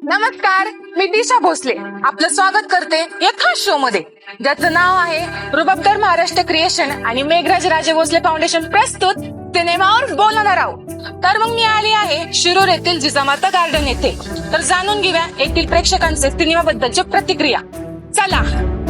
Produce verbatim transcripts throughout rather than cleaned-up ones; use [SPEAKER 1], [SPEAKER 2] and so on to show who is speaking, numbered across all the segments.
[SPEAKER 1] नमस्कार, मी दिशा भोसले आपलं स्वागत करते या खास शो मध्ये, ज्याचं नाव आहे रुबाबदार महाराष्ट्र क्रिएशन आणि मेघराज राजे भोसले फाउंडेशन प्रस्तुत सिनेमावर बोलणार आहोत. तर मग मी आली आहे शिरूर येथील जिजामाता गार्डन येथे. तर जाणून घेऊया येथील प्रेक्षकांचे सिनेमाबद्दलची प्रतिक्रिया. चला.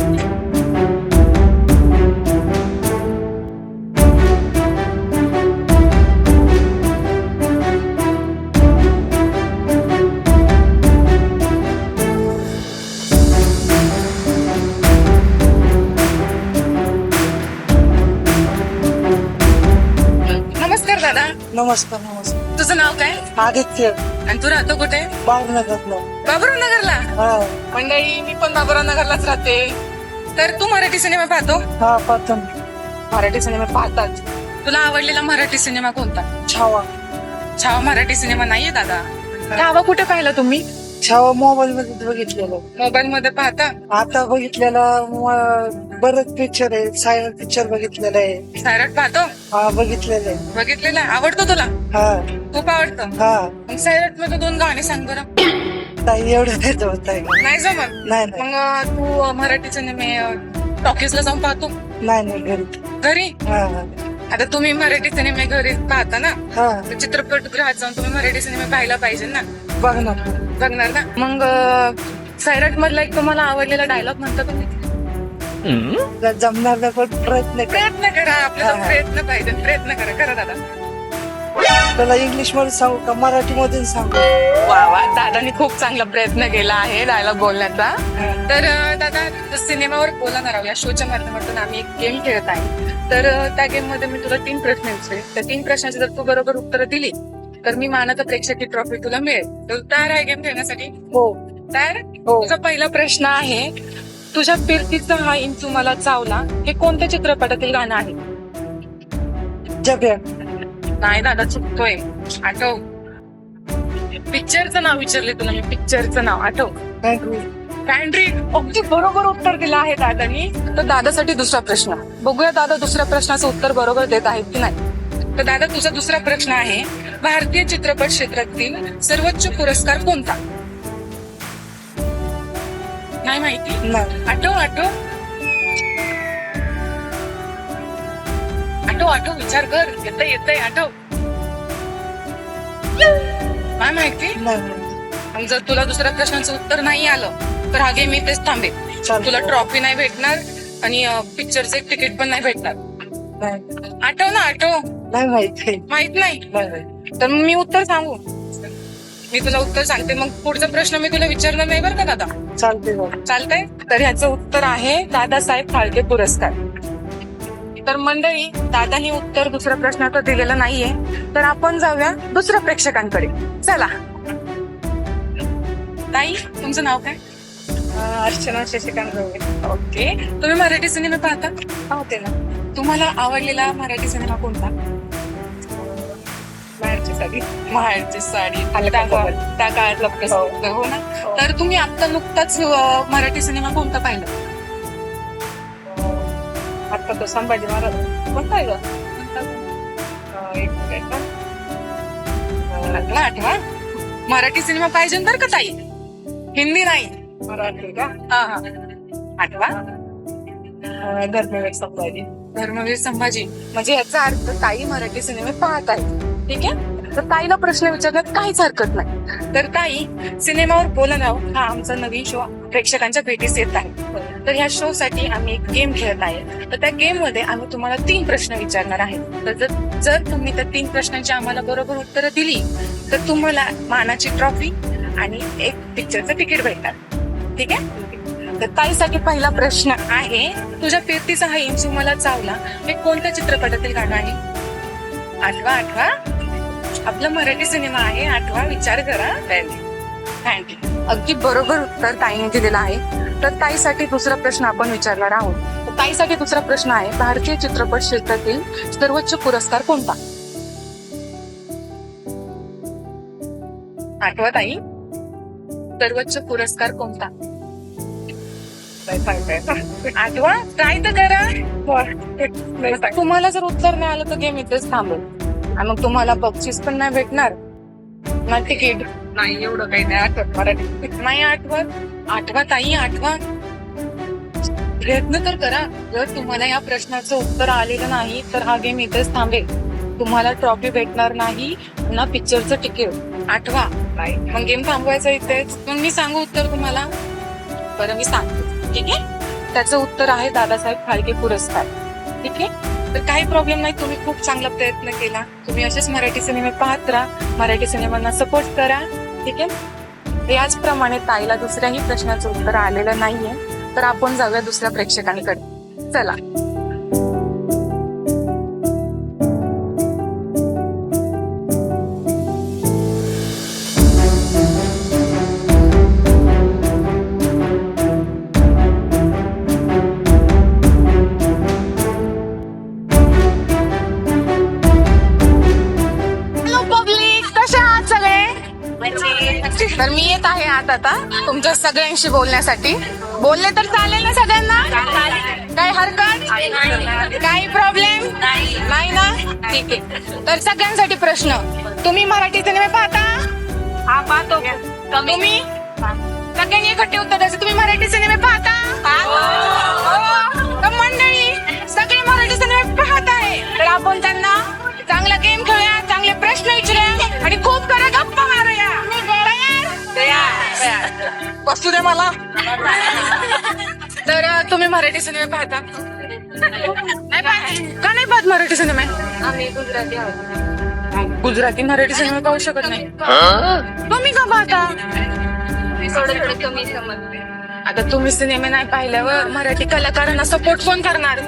[SPEAKER 1] नमस्कार दादा.
[SPEAKER 2] नमस्कार नमस्कार.
[SPEAKER 1] तुझं नाव काय
[SPEAKER 2] आदित्य.
[SPEAKER 1] आणि तू राहतो कुठे?
[SPEAKER 2] बाबूनगरला.
[SPEAKER 1] बाबुराव नगरला.
[SPEAKER 2] हा
[SPEAKER 1] मंडळी, मी पण बाबुराव नगरलाच राहते. तर तू मराठी सिनेमा पाहतो?
[SPEAKER 2] हा पाहतो.
[SPEAKER 1] मराठी सिनेमा पाहतात. तुला आवडलेला मराठी सिनेमा कोणता?
[SPEAKER 2] छावा.
[SPEAKER 1] छावा मराठी सिनेमा नाहीये दादा. छावा कुठे पाहिला तुम्ही?
[SPEAKER 2] छावा मोबाईल मध्ये बघितलेलं.
[SPEAKER 1] मोबाईल मध्ये पाहता?
[SPEAKER 2] आता बघितलेला बरंच पिक्चर आहे. सायरन पिक्चर बघितलेला आहे.
[SPEAKER 1] सायरट पाहतो?
[SPEAKER 2] हा बघितलेलं आहे.
[SPEAKER 1] बघितलेला. आवडतो तुला?
[SPEAKER 2] हा
[SPEAKER 1] खूप आवडतं.
[SPEAKER 2] हा.
[SPEAKER 1] मग सायरट मध्ये दोन गाणे सांग बरं.
[SPEAKER 2] ताई एवढं नाही जमत आहे.
[SPEAKER 1] नाही जमत?
[SPEAKER 2] नाही नाही
[SPEAKER 1] मग तू मराठी सिनेमे टॉकीजला जाऊन पाहतो?
[SPEAKER 2] नाही नाही घरी.
[SPEAKER 1] घरी?
[SPEAKER 2] हा हा
[SPEAKER 1] आता तुम्ही मराठी सिनेमे घरी पाहता ना,
[SPEAKER 2] हा
[SPEAKER 1] तर चित्रपटगृहात जाऊन तुम्ही मराठी सिनेमे पाहायला पाहिजे ना.
[SPEAKER 2] बघणार.
[SPEAKER 1] बघणार ना. मग सायरट मधला एक तुम्हाला आवडलेला डायलॉग म्हणता तुम्ही?
[SPEAKER 2] जर जमणार नाही पण प्रयत्न कर.
[SPEAKER 1] प्रयत्न करा. आपल्याला
[SPEAKER 2] हा, हा.
[SPEAKER 1] प्रयत्न पाहिजे. प्रयत्न करा. करा दादा.
[SPEAKER 2] त्याला इंग्लिश मध्ये सांगू का मराठी मधून सांगू?
[SPEAKER 1] वा वा, दादानी खूप चांगला प्रयत्न केला आहे डायलॉग बोलण्याचा. तर अं, दादा, सिनेमावर बोलणार आहोत या शोच्या माध्यमातून आम्ही एक गेम खेळत आहे. तर अं, त्या गेम मध्ये मी तुला तीन प्रश्न विचारेन. त्या तीन प्रश्नाची जर तू बरोबर उत्तर दिली तर मी मानाचा प्रेक्षकी ट्रॉफी तुला मिळेल. तर तू तयार आहे गेम खेळण्यासाठी?
[SPEAKER 2] हो
[SPEAKER 1] तयार?
[SPEAKER 2] हो.
[SPEAKER 1] तुझा पहिला प्रश्न आहे, तुझ्या फिरतीचा हा इंचू मला चावला हे कोणत्या चित्रपटातील गाणं आहे?
[SPEAKER 2] जब्या.
[SPEAKER 1] नाही दादा, चुकतोय. आठव. पिक्चरचं नाव विचारले तुला मी. पिक्चरचं नाव आठव. पॅन्ट्री. अगदी बरोबर उत्तर दिलं आहे दादानी. तर दादासाठी दुसरा प्रश्न बघूया, दादा दुसऱ्या प्रश्नाचं उत्तर बरोबर देत आहेत की नाही. तर दादा, तुझा दुसरा प्रश्न आहे, भारतीय चित्रपट क्षेत्रातील सर्वोच्च पुरस्कार कोणता? नाही माहिती?
[SPEAKER 2] नाही.
[SPEAKER 1] आठव आठव आठव आठव विचार कर. येतंय येतंय आठव. काय माहिती?
[SPEAKER 2] नाही.
[SPEAKER 1] आणि जर तुला दुसऱ्या प्रश्नाचं उत्तर नाही आलं तर हा गेम इथेच थांबेल.
[SPEAKER 2] चालतंय.
[SPEAKER 1] तुला ट्रॉफी नाही भेटणार आणि पिक्चरचं एक तिकीट पण नाही भेटणार.
[SPEAKER 2] नाही
[SPEAKER 1] आठव ना. आठव.
[SPEAKER 2] नाही माहिती.
[SPEAKER 1] माहित नाही?
[SPEAKER 2] नाही.
[SPEAKER 1] तर मग मी उत्तर सांगू? मी तुला उत्तर सांगते, मग पुढचा प्रश्न मी तुला विचारणार नाही बरं का दादा.
[SPEAKER 2] चालते बघ.
[SPEAKER 1] चालतंय? तर ह्याचं उत्तर आहे दादासाहेब फाळके पुरस्कार. तर मंडळी, दादानी उत्तर दुसऱ्या प्रश्नाचं दिलेलं नाहीये. तर आपण जाऊया दुसऱ्या प्रेक्षकांकडे. चला. ताई, तुमचं नाव काय?
[SPEAKER 2] अर्चना शशिकांत गवळे.
[SPEAKER 1] ओके. तुम्ही मराठी सिनेमा पाहता?
[SPEAKER 2] पाहते ना.
[SPEAKER 1] तुम्हाला आवडलेला मराठी सिनेमा कोणता?
[SPEAKER 2] बाहेरची साडी.
[SPEAKER 1] महाडची साडी.
[SPEAKER 2] अलका
[SPEAKER 1] त्या
[SPEAKER 2] कुबल.
[SPEAKER 1] त्या काळातला प्रसिद्ध, हो ना. तर तुम्ही आता नुकताच अं, मराठी सिनेमा कोणता पाहिला?
[SPEAKER 2] आता तो संभाजी महाराज.
[SPEAKER 1] कोणता आहे ग?
[SPEAKER 2] एक मिनिट.
[SPEAKER 1] आठवा आठवा. मराठी सिनेमा पाहिजे बरं का ताई, हिंदी नाही.
[SPEAKER 2] मराठी का?
[SPEAKER 1] हा हा. आठवा.
[SPEAKER 2] धर्मवीर संभाजी.
[SPEAKER 1] धर्मवीर संभाजी. म्हणजे याचा अर्थ ताई मराठी सिनेमे पाहत आहेत. ठीक आहे. तर ताईला प्रश्न विचारण्यात काहीच हरकत नाही. तर ताई, सिनेमावर बोलणं हा आमचा नवीन शो प्रेक्षकांच्या भेटीस येत आहे. तर ह्या शो साठी आम्ही एक गेम खेळत आहे. तर त्या गेम मध्ये आम्ही तुम्हाला तीन प्रश्न विचारणार आहे. तर जर जर तुम्ही त्या तीन प्रश्नांची आम्हाला बरोबर उत्तरं दिली तर तुम्हाला मानाची ट्रॉफी आणि एक पिक्चरचं तिकीट भेटणार. ठीक आहे. तर ताईसाठी पहिला प्रश्न आहे, तुझ्या फिरतीचा हा इंचू मला चावला हे कोणत्या चित्रपटातील गाणं आहे? आठवा आठवा. आपला मराठी सिनेमा आहे. आठवा. विचार करा. थँक्यू. अगदी बरोबर उत्तर ताईने दिलेलं आहे. तर ताईसाठी दुसरा प्रश्न आपण विचारणार आहोत. तर ताईसाठी दुसरा प्रश्न आहे, भारतीय चित्रपट क्षेत्रातील सर्वोच्च पुरस्कार कोणता? आठवा ताई. सर्वोच्च पुरस्कार कोणता? आठवा. ट्राय तर करा. तुम्हाला जर उत्तर नाही आलं तर गेम इथेच थांबेल आणि मग तुम्हाला बक्षीस पण नाही भेटणार ना तिकीट. नाही एवढं काही नाही आठवत मराठी. नाही आठवत? आठवा ताई, आठवा. प्रयत्न तर करा. जर तुम्हाला या प्रश्नाचं उत्तर आलेलं नाही तर हा गेम इथेच थांबेल. तुम्हाला ट्रॉफी भेटणार नाही ना पिक्चरचं तिकीट. आठवा. मग गेम थांबवायचा इथेच. मग मी सांगू उत्तर तुम्हाला? बरं मी सांगते, ठीक आहे. त्याचं उत्तर आहे दादासाहेब फाळके पुरस्कार. ठीक आहे. तर काही प्रॉब्लेम नाही. तुम्ही खूप चांगला प्रयत्न केला. तुम्ही असेच मराठी सिनेमे पाहत राहा. मराठी सिनेमांना सपोर्ट करा. ठीक आहे. याचप्रमाणे ताईला दुसऱ्याही प्रश्नाचं उत्तर आलेलं नाहीये तर आपण जाऊया दुसऱ्या प्रेक्षकांकडे. चला. तर मी येत आहे आत आता तुमच्या सगळ्यांशी बोलण्यासाठी. बोलले तर चालेल ना सगळ्यांना? काही हरकत? काही प्रॉब्लेम नाही ना? ठीक आहे. तर सगळ्यांसाठी प्रश्न. तुम्ही मराठी सिनेमे पाहता?
[SPEAKER 3] हा पाहतो.
[SPEAKER 1] तुम्ही सगळ्यांनी एकटे उत्तर द्यायचं. तुम्ही मराठी सिनेमे पाहता? तर मंडळी सगळे मराठी सिनेमे पाहत आहे तर आपण त्यांना चांगला गेम खेळूया, चांगले प्रश्न विचारूया आणि खूप करा गप्पा मारूया. बसू दे मला. तर तुम्ही मराठी सिनेमे पाहता? नाही पाहत? का नाही पाहत मराठी सिनेमे?
[SPEAKER 3] आम्ही गुजराती आहोत.
[SPEAKER 1] गुजराती मराठी सिनेमे पाहू शकत नाही. तुम्ही का पाहता?
[SPEAKER 3] थोडं थोडं कमी समजते.
[SPEAKER 1] आता तुम्ही सिनेमे नाही पाहिल्यावर मराठी कलाकारांना सपोर्ट कोण करणार?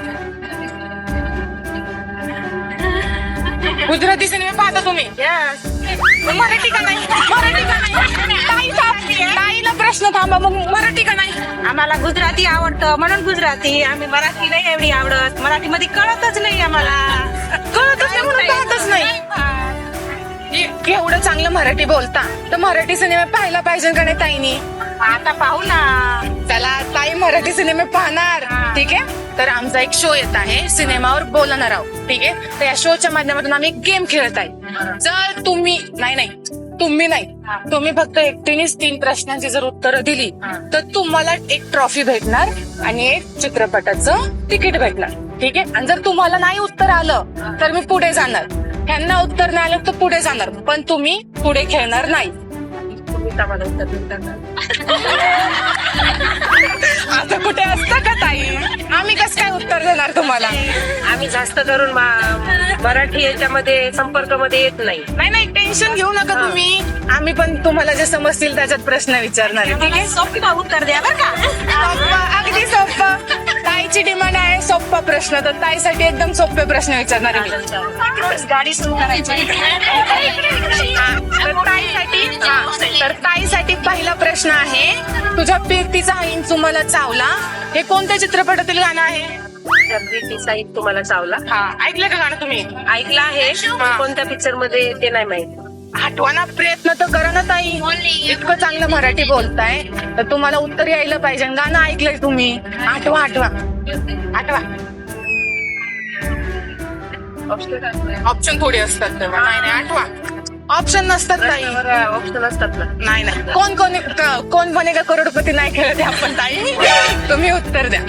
[SPEAKER 1] गुजराती सिनेमे पाहता तुम्ही? मराठी का नाही? मराठी का नाही? ताईला प्रश्न थांबा. मग मराठी का नाही?
[SPEAKER 3] आम्हाला गुजराती आवडतं म्हणून गुजराती. आम्ही मराठी नाही एवढी आवडत. मराठीमध्ये कळतच नाही आम्हाला.
[SPEAKER 1] कळतच नाही म्हणून पाहतच नाही. ए- एवढं चांगलं मराठी बोलता तर मराठी सिनेमे पाहायला पाहिजे का नाही ताईनी?
[SPEAKER 3] आता पाहू ना.
[SPEAKER 1] चला ताई मराठी सिनेमे पाहणार. ठीक आहे. तर आमचा एक शो येत आहे सिनेमावर बोलणार आहोत. ठीक आहे. तर या शोच्या माध्यमातून आम्ही एक गेम खेळत आहे. जर तुम्ही नाही नाही तुम्ही नाही तुम्ही फक्त एकटीनेच तीन प्रश्नांची जर उत्तरं दिली तर तुम्हाला एक ट्रॉफी भेटणार आणि एक चित्रपटाचं तिकीट भेटणार. ठीक आहे. आणि जर तुम्हाला नाही उत्तर आलं तर मी पुढे जाणार. ह्यांना उत्तर नाही आलं तर पुढे जाणार पण तुम्ही पुढे खेळणार नाही.
[SPEAKER 3] तुम्ही आम्हाला उत्तर देतात.
[SPEAKER 1] आता कुठे असतं का ताई? आम्ही कसं काय उत्तर देणार तुम्हाला?
[SPEAKER 3] आम्ही जास्त करून मा- मराठी याच्यामध्ये संपर्कामध्ये येत नाही.
[SPEAKER 1] नाही नाही टेन्शन घेऊ नका तुम्ही. आम्ही पण तुम्हाला जे समजतील त्याच्यात प्रश्न विचारणार आहे. ठीक आहे.
[SPEAKER 3] सोपा उत्तर द्या बरं का.
[SPEAKER 1] सोप्पा, अगदी सोप्पा. ताईची डिमांड आहे सोप्पा प्रश्न तर ताईसाठी एकदम सोपे प्रश्न विचारणार आहे मी.
[SPEAKER 3] गाडी सुरू करायची.
[SPEAKER 1] हा, तर ताईसाठी हा, तर ताईसाठी पहिला प्रश्न आहे. तुझ्या पिरतीचा इंच मला चावला हे कोणत्या चित्रपटातील गाणं आहे?
[SPEAKER 3] जगदीश साईद तुम्हाला चावला.
[SPEAKER 1] हा ऐकलं का गाणं तुम्ही?
[SPEAKER 3] ऐकलं आहे. कोणत्या पिक्चर मध्ये ते नाही माहिती.
[SPEAKER 1] आठवाना प्रयत्न तर करा ना ताई. इतकं चांगलं मराठी बोलताय तर तुम्हाला उत्तर यायला पाहिजे. गाणं ऐकलंय तुम्ही. आठवा आठवा आठवा. ऑप्शन थोडे असतात तेव्हा. नाही नाही आठवा. ऑप्शन नसतात ताई.
[SPEAKER 3] ऑप्शन असतात ना.
[SPEAKER 1] नाही नाही कोण कोण क- कोण बनेगा करोडपती नाही खेळत आहे आपण ताई. तुम्ही उत्तर द्या.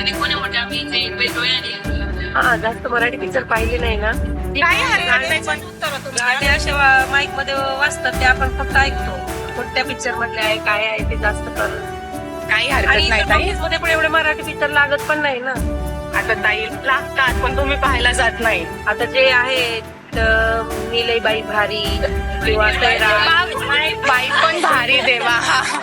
[SPEAKER 3] हा जास्त मराठी पिक्चर पाहिले नाही ना.
[SPEAKER 1] काही हरकत नाही पण उत्तर तुम्ही.
[SPEAKER 3] गाणे अशा माईक मध्ये वाजतात ते आपण फक्त ऐकतो. कोणत्या पिक्चर मधले आहे काय आहे ते जास्त करून.
[SPEAKER 1] काही
[SPEAKER 3] आणि
[SPEAKER 1] हरकत नाही ताई.
[SPEAKER 3] मध्ये पण एवढे मराठी पिक्चर लागत पण नाही ना.
[SPEAKER 1] आता ताई लागतात पण तुम्ही पाहायला जात नाही.
[SPEAKER 3] आता जे आहेत निलयबाई भारी किंवा तैरा.
[SPEAKER 1] बाई पण भारी देवा.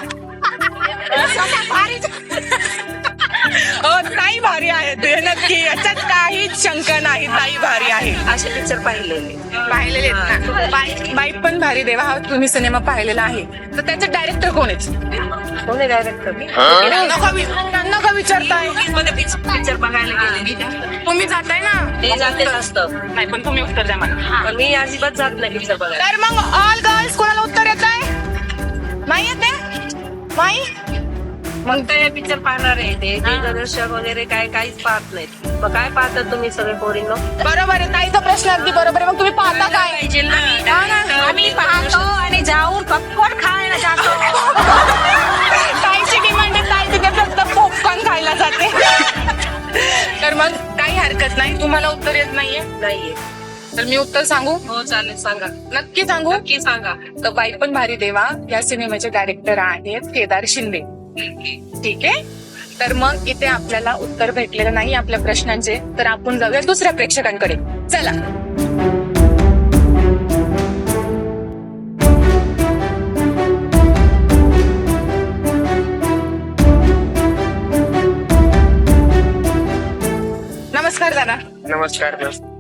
[SPEAKER 1] हो ताई भारी आहे ते नक्की. याच्यात काहीच शंका नाही. ताई भारी आहे.
[SPEAKER 3] असे पिक्चर पाहिलेले.
[SPEAKER 1] पाहिलेले आहेत ना. बाई बाई पण भारी देवा हा तुम्ही सिनेमा पाहिलेला आहे तर त्याचे डायरेक्टर कोण आहेत?
[SPEAKER 3] कोणी डायरेक्टर
[SPEAKER 1] नका वि- नका विचारताय.
[SPEAKER 3] मध्ये पिक्चर बघायला गेले.
[SPEAKER 1] तुम्ही जाताय ना.
[SPEAKER 3] ते जाते असतं
[SPEAKER 1] नाही पण तुम्ही उत्तर द्या मला.
[SPEAKER 3] पण मी अजिबात जात नाही पिक्चर बघायला.
[SPEAKER 1] तर मग ऑल गर्ल्स कोणाला उत्तर येत आहे? नाही येते? नाही
[SPEAKER 3] मग ते पिक्चर पाहणार आहे ते दिग्दर्शक वगैरे काय काहीच पाहत नाहीत. मग काय पाहतात तुम्ही सगळे पोरींनो?
[SPEAKER 1] बरोबर आहे, ताईचा प्रश्न अगदी बरोबर आहे. मग तुम्ही पाहता काय?
[SPEAKER 3] पाहिजे ना.
[SPEAKER 1] हा ना.
[SPEAKER 3] आम्ही पाहतो आणि जाऊन पॉपकॉर्न खायला जातो.
[SPEAKER 1] ताईची डिमांड आहे, ताई तिथे फक्त पॉपकॉर्न खायला जाते. तर मग काही हरकत नाही. तुम्हाला उत्तर येत नाहीये?
[SPEAKER 3] नाहीये.
[SPEAKER 1] तर मी उत्तर सांगू?
[SPEAKER 3] हो चालेल, सांगा.
[SPEAKER 1] नक्की सांगू?
[SPEAKER 3] नक्की सांगा.
[SPEAKER 1] तर बाई पण भारी देवा या सिनेमाचे डायरेक्टर आहेत केदार शिंदे. ठीक आहे. तर मग इथे आपल्याला उत्तर भेटलेलं नाही आपल्या प्रश्नांचे, तर आपण जाऊया दुसऱ्या प्रेक्षकांकडे. चला. नमस्कार दादा.
[SPEAKER 4] नमस्कार.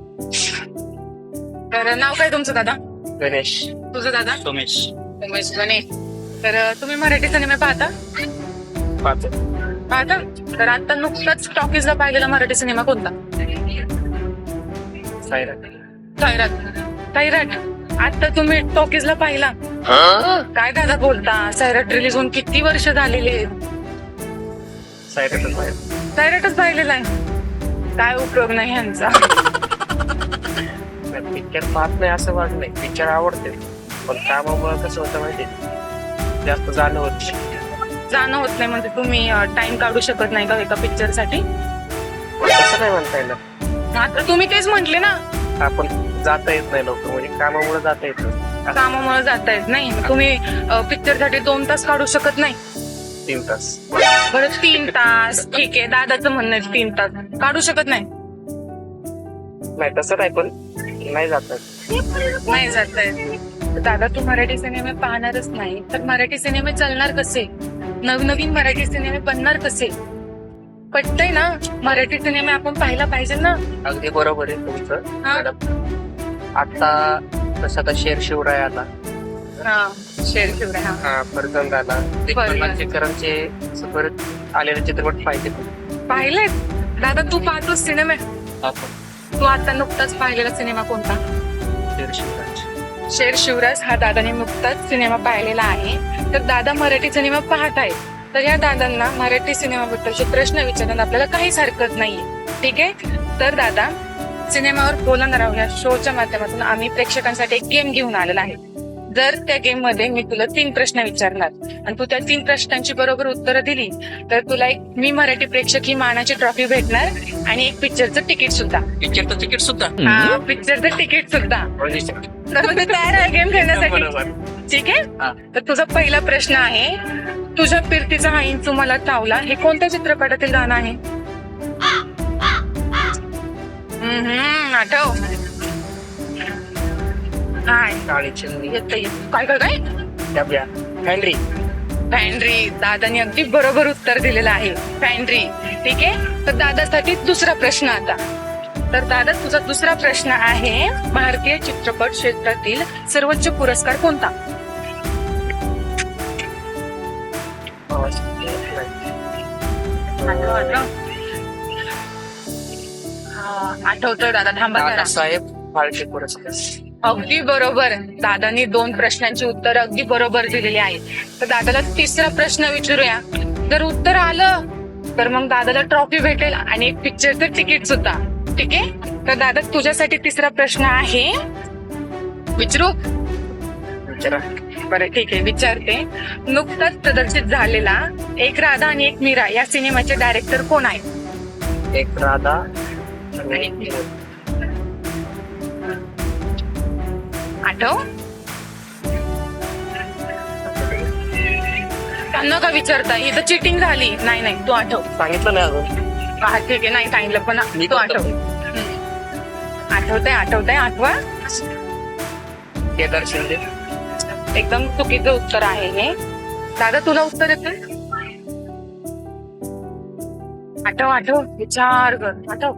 [SPEAKER 1] तर नाव काय तुमचं दादा?
[SPEAKER 4] गणेश.
[SPEAKER 1] तुझं दादा?
[SPEAKER 4] सोमेश.
[SPEAKER 1] उमेश गणेश. तर तुम्ही मराठी सिनेमे पाहता?
[SPEAKER 4] पाहतो.
[SPEAKER 1] पाहता. तर आता नुकताच टॉकीजला पाहिलेला मराठी सिनेमा कोणता?
[SPEAKER 4] सायराट.
[SPEAKER 1] सैराट. सैराट आता तुम्ही टॉकीजला पाहिला? काय दादा बोलता? सैराट रिलीज होऊन किती वर्ष झालेले?
[SPEAKER 4] सायराटच आहे.
[SPEAKER 1] सैराटच पाहिलेला आहे. काय उपयोग नाही ह्यांचा.
[SPEAKER 4] पिक्चर पाहत नाही असं वाटत नाही, पिक्चर आवडते पण कामामुळे कसं होतं माहिती जास्त जाणं होत नाही.
[SPEAKER 1] जाणं होत नाही म्हणजे तुम्ही टाइम काढू शकत नाही का एका पिक्चर साठी?
[SPEAKER 4] तसं नाही म्हणता येणार.
[SPEAKER 1] आता तुम्ही तेच म्हंटले ना,
[SPEAKER 4] आपण जाता येत नाही लवकर, म्हणजे कामामुळे जाता येत नाही.
[SPEAKER 1] कामामुळे जाता येत नाही. तुम्ही पिक्चर साठी दोन तास काढू शकत नाही?
[SPEAKER 4] तीन तास.
[SPEAKER 1] बरं तीन तास ठीक आहे, दादाचं म्हणणं आहे तीन तास काढू शकत नाही.
[SPEAKER 4] नाही तसं नाही, पण नाही जात.
[SPEAKER 1] नाही जात आहे. दादा तू मराठी सिनेमे पाहणारच नाही तर मराठी सिनेमे चालणार कसे? नवनवीन मराठी सिनेमे बनणार कसे? पटतंय ना? मराठी सिनेमे आपण पाहायला पाहिजे ना.
[SPEAKER 4] अगदी बरोबर आहे तुमचं
[SPEAKER 1] हा.
[SPEAKER 4] मॅडम. आता तसं आता शेर शिवराय आला,
[SPEAKER 1] हा शेर शिवराय. हा
[SPEAKER 4] हा फरजंद आला, मानसेकरांचे परत आलेले चित्रपट पाहिजे.
[SPEAKER 1] पाहिलेत दादा? तू पाहतोस सिनेमे? तू आता नुकताच पाहिलेला सिनेमा कोणता?
[SPEAKER 4] शेर शिवराय.
[SPEAKER 1] शेर शिवराज हा दादाने नुकताच सिनेमा पाहिलेला आहे. तर दादा मराठी सिनेमा पाहत आहेत, तर या दादांना मराठी सिनेमाबद्दलचे प्रश्न विचारण्यात आपल्याला काहीच हरकत नाहीये. ठीक आहे. तर दादा सिनेमावर बोलणार आहोत या शोच्या माध्यमातून आम्ही प्रेक्षकांसाठी एक गेम घेऊन आलेला आहे. जर त्या गेम मध्ये मी तुला तीन प्रश्न विचारणार आणि तू त्या तीन प्रश्नांची बरोबर उत्तरं दिली तर तुला एक मी मराठी प्रेक्षक ही मानाची ट्रॉफी भेटणार आणि एक पिक्चरचं तिकीट सुद्धा.
[SPEAKER 4] पिक्चरचं तिकीट सुद्धा.
[SPEAKER 1] हा पिक्चरचं तिकीट सुद्धा. तर मग तू तयार आहे गेम खेळण्यासाठी? ठीक आहे. तर तुझा पहिला प्रश्न आहे, तुझ्या फिरतीचा हा इंचू मला चावला हे कोणत्या चित्रपटातील गाणं आहे? हम्म आठव. काय येत काय काय काय
[SPEAKER 4] फॅन्ड्री.
[SPEAKER 1] फॅन्ड्री. दादाने अगदी बरोबर उत्तर दिलेलं आहे, फॅन्ड्री. ठीक आहे. तर दादासाठी दुसरा प्रश्न आता. तर दादा तुझा दुसरा प्रश्न आहे, भारतीय चित्रपट क्षेत्रातील सर्वोच्च पुरस्कार कोणता? आठव आठव. आठवतोय दादा? थांबा.
[SPEAKER 4] साहेब फाळके पुरस्कार.
[SPEAKER 1] अगदी बरोबर. दादानी दोन प्रश्नांची उत्तर अगदी बरोबर दिलेली आहेत. तर दादाला तिसरा प्रश्न विचारूया. जर उत्तर आलं तर मग दादाला ट्रॉफी भेटेल आणि एक पिक्चरचं तिकीट सुद्धा. ठीक आहे. तर दादा तुझ्यासाठी तिसरा प्रश्न आहे, विचारू?
[SPEAKER 4] विचारा.
[SPEAKER 1] बरं ठीक आहे, विचारते. नुकताच प्रदर्शित झालेला एक राधा आणि एक मीरा या सिनेमाचे डायरेक्टर कोण आहेत?
[SPEAKER 4] एक राधा
[SPEAKER 1] आणि एक मीरा. आठव. त्यांना का विचारता? इथं चिटिंग झाली. नाही नाही तू आठव.
[SPEAKER 4] सांगितलं नाही अजून.
[SPEAKER 1] हा ठीक आहे, नाही सांगितलं पण तू आठव. आठवतंय आठवतंय आठवा.
[SPEAKER 4] केदार शिंदे.
[SPEAKER 1] एकदम चुकीचं उत्तर आहे हे. दादा तुला उत्तर येते? आठव आठव. विचार कर. आठव.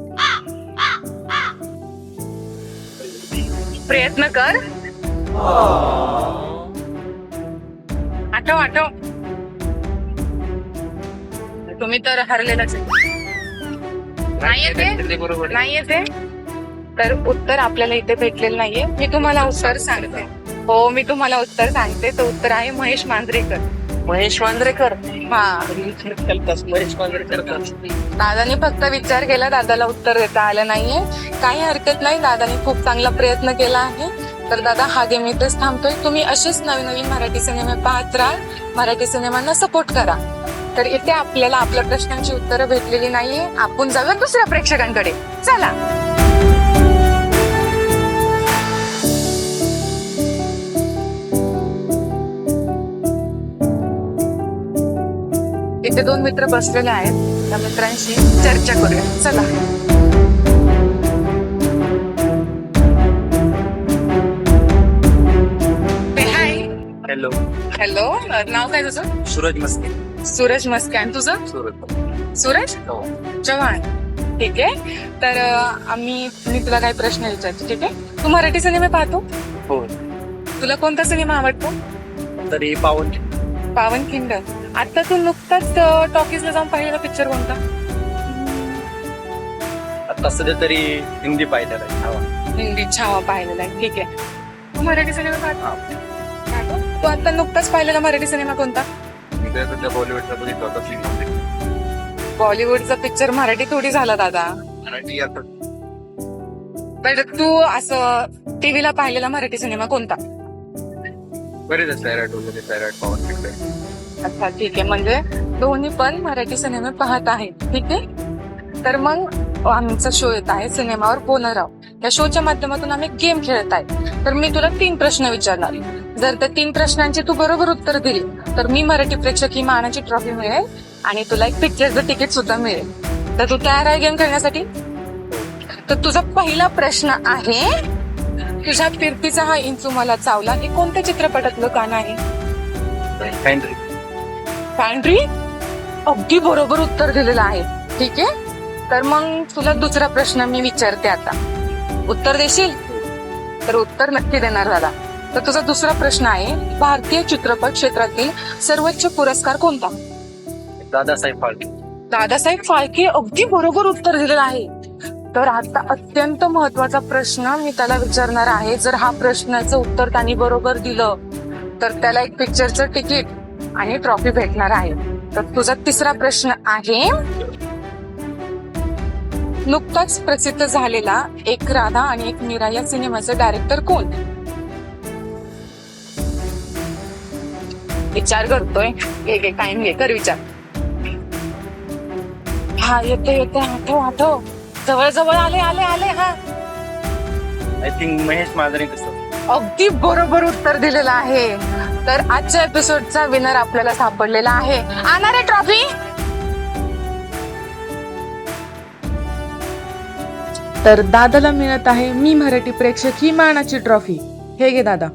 [SPEAKER 1] प्रयत्न कर. आठव आठव. तुम्ही तर हरलेलाच आहे. नाही येते?
[SPEAKER 4] बरोबर.
[SPEAKER 1] नाही येते. तर उत्तर आपल्याला इथे भेटलेलं नाहीये. मी तुम्हाला उत्तर सांगते. हो मी तुम्हाला उत्तर सांगते. तो उत्तर आहे महेश मांजरेकर.
[SPEAKER 4] महेश मांजरेकर
[SPEAKER 1] हा
[SPEAKER 4] महेश मांजरेकर का?
[SPEAKER 1] दादाने फक्त विचार केला, दादाला उत्तर देता आलं नाहीये. काही हरकत नाही, दादाने खूप चांगला प्रयत्न केला आहे. तर दादा हा गेम इथेच थांबतोय. तुम्ही असेच नवीन नवीन मराठी सिनेमे पाहत राहा, मराठी सिनेमांना सपोर्ट करा. तर इथे आपल्याला आपल्या प्रश्नांची उत्तरं भेटलेली नाहीये. आपण जाऊया दुसऱ्या प्रेक्षकांकडे. चला. इथे दोन मित्र बसलेले आहेत, त्या मित्रांशी चर्चा करूया. चला. हाय.
[SPEAKER 4] हॅलो,
[SPEAKER 1] हॅलो, नाव काय तुझं?
[SPEAKER 4] सूरज मस्के.
[SPEAKER 1] सूरज मस्के. आणि तुझं?
[SPEAKER 4] सूरज
[SPEAKER 1] सूरज
[SPEAKER 4] हो.
[SPEAKER 1] चव्हाण. ठीक आहे. तर अं, आम्ही मी तुला काही प्रश्न विचारतो. ठीक आहे. तू मराठी सिनेमे पाहतो?
[SPEAKER 4] हो.
[SPEAKER 1] तुला कोणता सिनेमा आवडतो?
[SPEAKER 4] तरी पावन
[SPEAKER 1] पावनखिंड. आता तू नुकताच टॉकीजला जाऊन पाहिलेला पिक्चर कोणता?
[SPEAKER 4] आता सध्या तरी हिंदी पाहिलेला आहे. छावा.
[SPEAKER 1] हिंदी छावा पाहिलेला आहे. ठीक आहे. तू मराठी सिनेमा पाहतो? पाहतो? तू आता नुकताच पाहिलेला मराठी सिनेमा कोणता?
[SPEAKER 4] मी सध्या बॉलिवूडचा बघितला होता सिनेमा.
[SPEAKER 1] बॉलिवूडचा पिक्चर मराठी थोडी झाला दादा.
[SPEAKER 4] मराठी आता
[SPEAKER 1] पण तू असं टीव्हीला पाहिलेला मराठी सिनेमा कोणता?
[SPEAKER 4] बरेच आहे. सैराट वगैरे, सैराट पावन खिंड.
[SPEAKER 1] अच्छा, ठीक आहे. म्हणजे दोन्ही पण मराठी सिनेमे पाहत आहेत. ठीक आहे. तर मग आमचा शो येत आहे सिनेमावर बोलणं राव. या शोच्या माध्यमातून आम्ही गेम खेळत आहे. तर मी तुला तीन प्रश्न विचारणार. जर त्या तीन प्रश्नांची तू बरोबर उत्तर दिली तर मी मराठी प्रेक्षक ही मानाची ट्रॉफी मिळेल आणि तुला एक पिक्चरचं तिकीट सुद्धा मिळेल. तर तू तयार आहे गेम खेळण्यासाठी? तर तुझा पहिला प्रश्न आहे, तुझ्या फिरतीचा हा इंचू मला चावला हे कोणत्या चित्रपटातलं गाणं आहे?
[SPEAKER 4] काहीतरी
[SPEAKER 1] पॅन्ट्री. अगदी बरोबर उत्तर दिलेलं आहे. ठीक आहे. तर मग तुला दुसरा प्रश्न मी विचारते आता. उत्तर देशील? तर उत्तर नक्की देणार दादा. तर तुझा दुसरा प्रश्न आहे, भारतीय चित्रपट क्षेत्रातील सर्वोच्च पुरस्कार कोणता?
[SPEAKER 4] दादासाहेब फाळके.
[SPEAKER 1] दादासाहेब फाळके. अगदी बरोबर उत्तर दिलेलं आहे. तर आता अत्यंत महत्वाचा प्रश्न मी त्याला विचारणार आहे. जर हा प्रश्नाचं उत्तर त्यांनी बरोबर दिलं तर त्याला एक पिक्चरचं तिकीट आणि ट्रॉफी भेटणार आहे. तर तुझा तिसरा प्रश्न आहे, नुकताच प्रसिद्ध झालेला एक राधा आणि एक मीरा या सिनेमाचे डायरेक्टर कोण? विचार करतोय. एक एक टाइम घे, कर विचार. हा येते येते. आठव आठव. जवळ जवळ आले आले आले. हा
[SPEAKER 4] आय थिंक महेश मांजरेकर.
[SPEAKER 1] अगदी बरोबर उत्तर दिलेलं आहे. तर आजच्या एपिसोडचा विनर आपल्याला सापडलेला आहे. आणणार आहे ट्रॉफी?
[SPEAKER 5] तर दादाला मिळत आहे मी मराठी प्रेक्षक ही मानाची ट्रॉफी. हे घे दादा.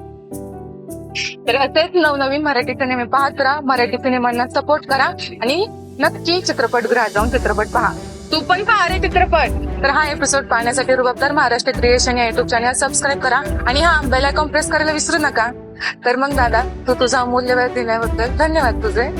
[SPEAKER 1] तर असेच नवनवीन मराठी सिनेमे पाहत राहा, मराठी सिनेमांना सपोर्ट करा आणि नक्की चित्रपटगृहात जाऊन चित्रपट पहा. तू पण पहा रे चित्रपट. तर हा एपिसोड पाहण्यासाठी रुबाबदार महाराष्ट्र क्रिएशन या युट्यूब चॅनल सबस्क्राईब करा आणि हा बेल आयकॉन प्रेस करायला विसरू नका. तर मग दादा, तू तुझा अमूल्य वेळ दिल्याबद्दल धन्यवाद तुझे.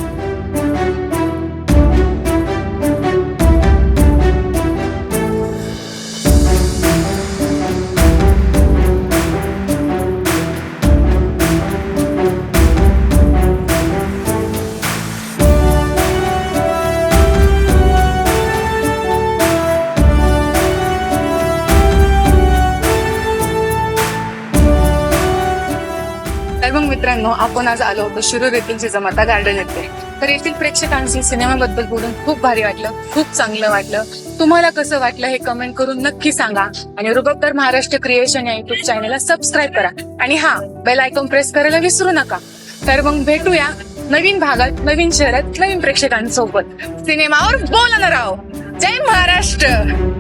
[SPEAKER 1] तर मग मित्रांनो, आपण आज आलो होतो शिरूर येथील जिजामाता गार्डन येथे. तर येथील प्रेक्षकांशी सिनेमाबद्दल बोलून खूप भारी वाटलं, खूप चांगलं वाटलं. तुम्हाला कसं वाटलं हे कमेंट करून नक्की सांगा आणि रुबाबदार महाराष्ट्र क्रिएशन या युट्यूब चॅनलला सबस्क्राईब करा आणि हा बेल आयकॉन प्रेस करायला विसरू नका. तर मग भेटूया नवीन भागात, नवीन शहरात, नवीन प्रेक्षकांसोबत. सिनेमावर बोलणार आहोत. जय महाराष्ट्र.